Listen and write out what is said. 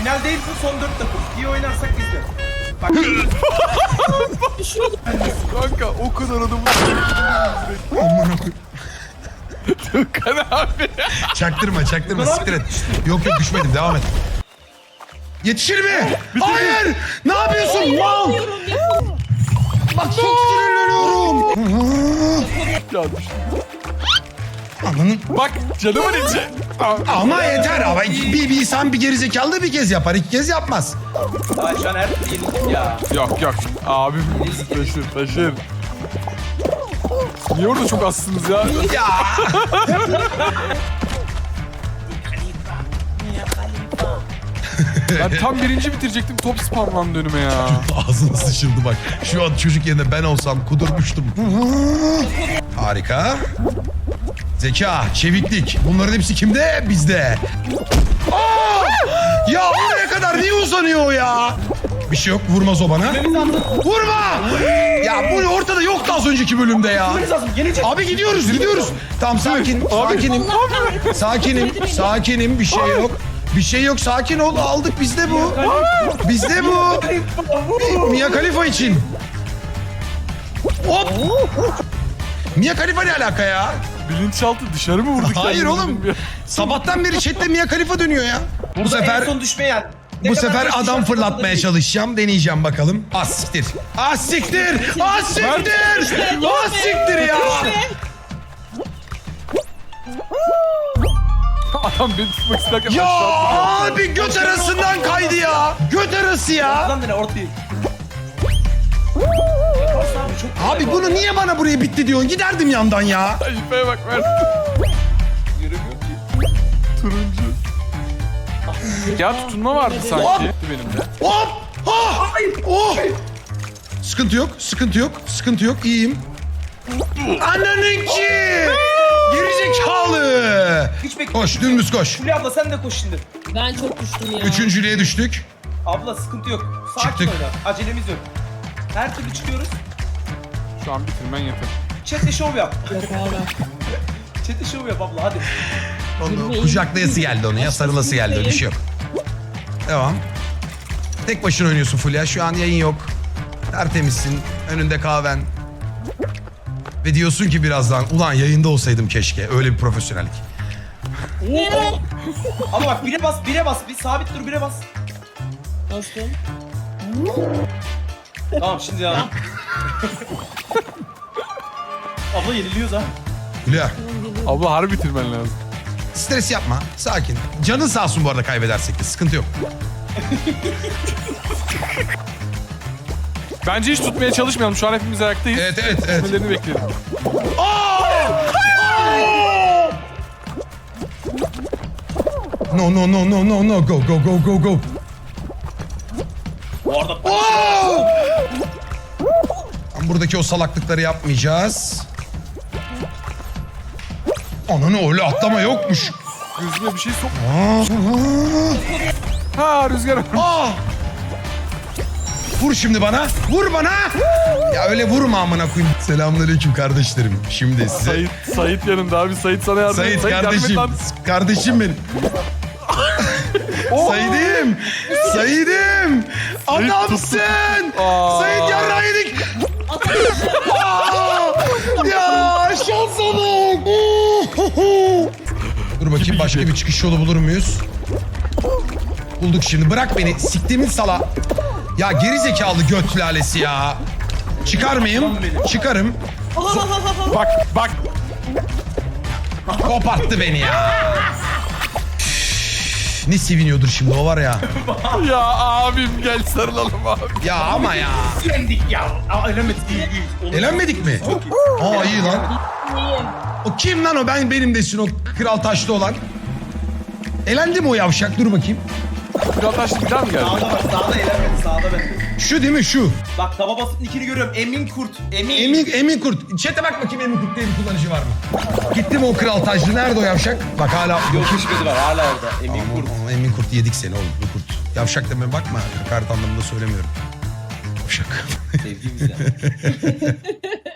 Final değil bu, son 4 takım. İyi oynarsak biz de. Bak. Kanka o kadar adamı... Aman okuyum. Tukan abi. Çaktırma siktir et. Yok düşmedim devam et. Yetişir mi? Hayır! Ne yapıyorsun? Mal! Bak çok sinirleniyorum. Ya düştüm. Ananın... Bak canımın içi. Ama yeter ama bir insan bir gerizekalı da bir kez yapar, iki kez yapmaz. Ay şu an her türlü yenildik ya. Yok abim taşır. Niye orada çok azsınız ya? Ya Ben tam birinci bitirecektim, top spamlandı önüme ya. ağzına sıçıldı bak. Şu an çocuk yerine ben olsam kudurmuştum. Harika. Zeka, çeviklik. Bunların hepsi kimde? Bizde. Aa! Ya oraya kadar niye uzanıyor o ya? Bir şey yok, vurmaz o bana. Vurma! Ya bu ortada yoktu az önceki bölümde ya. Abi gidiyoruz. Tamam sakinim. Bir şey yok, sakin ol. Aldık, bizde bu. Mia Khalifa için. Hop! Mia Khalifa ne alaka ya? Bilinçaltı dışarı mı vurduk? Hayır kendimizi oğlum. bilmiyorum. Sabahtan beri chatte Mia Khalifa dönüyor ya. Bu sefer En son düşmeyen. bu sefer adam fırlatmaya çalışacağım. Deneyeceğim bakalım. Siktir ya. Adam beni tutmak isterken Ya aşağı abi göt arasından kaydı ya. Göt arası ya. Lan dene ortayı. Abi bunu niye bana buraya bitti diyorsun? Giderdim yandan ya. Ayıpaya bak ver. Göremiyorum ki. Turuncu. Ya tutunma vardı Hop! sanki benim de. Hop! Ha! Oh! Sıkıntı yok. İyiyim. Ananınki! Gerizekalı! Hiç bekle. Koş, dümdüz koş. Hülya abla sen de koş şimdi. Ben çok düştüm ya. Üçüncülüğe düştük. Abla sıkıntı yok. Sakin Çıktık. oyna. Acelemiz yok. Her türlü çıkıyoruz. Şu an bitirmen yeter. Chat'te şov yap. Yok abi. Chat'te şov yap abla hadi. Onu kucaklayası geldi onu ya, sarılası geldi, öyle bir şey yok. Devam. Tek başına oynuyorsun Fulya. Şu an yayın yok. Tertemizsin. Önünde kahven. Ve diyorsun ki birazdan, ulan yayında olsaydım keşke. Öyle bir profesyonellik. Ama bak bire bas. Bir sabit dur, bire bas. Bastım. Tamam şimdi ya. Abla yeniliyoruz ha. Fulya, Abla harbi bitirmen lazım. stres yapma. Sakin. Canın sağ olsun bu arada kaybedersek de. Sıkıntı yok. Bence hiç tutmaya çalışmayalım. Şu an hepimiz ayaktayız. Evet. Tutmalarını bekleyelim. No. Go. Bu arada Buradaki o salaklıkları yapmayacağız. Ananı öyle atlama yokmuş. Gözüme bir şey sok. Ha rüzgar. Vur şimdi bana. Vur bana. Ya öyle vurma amına koyayım. Selamünaleyküm kardeşlerim. Şimdi size Sait yanında abi. Sait sana yardım Sait yardım et kardeşim. lan. Kardeşim benim. Said'im. Adamsın. Said yarrağı yedik. Ya şansa bak. Dur bakayım başka bir çıkış yolu bulur muyuz? Bulduk şimdi. Bırak beni. Siktimin sala. Ya geri zekalı göt lalesi ya. Çıkar mıyım? Çıkarım. Bak. Koparttı beni ya. Ne seviniyordur şimdi o var ya. Ya abim gel sarılalım abi. Ya ama ya. yendik ya. Aa elemedik değil. Elenmedik mi? Aa iyi lan. İyiyim. O kim lan o? Benim desin o kral taşlı olan. Elendi mi o yavşak? Dur bakayım. Kral taşlı bir daha mı geldi? Sağda bak, sağda elenmedi, sağda bende. Şu değil mi şu? Bak taba basıp nickini görüyorum. Emin Kurt. Emin Kurt. Chat'e bak bakayım Emin Kurt diye bir kullanıcı var mı? Gitti mi o kral taşlı? Nerede o yavşak? Bak hala. Yok hiçbiri var hala orada. Emin Kurt. Aman, Emin Kurt yedik seni oğlum. Bu Kurt. Yavşak deme bakma. Hakaret anlamında söylemiyorum. Yavşak. Sevdiğimiz ya.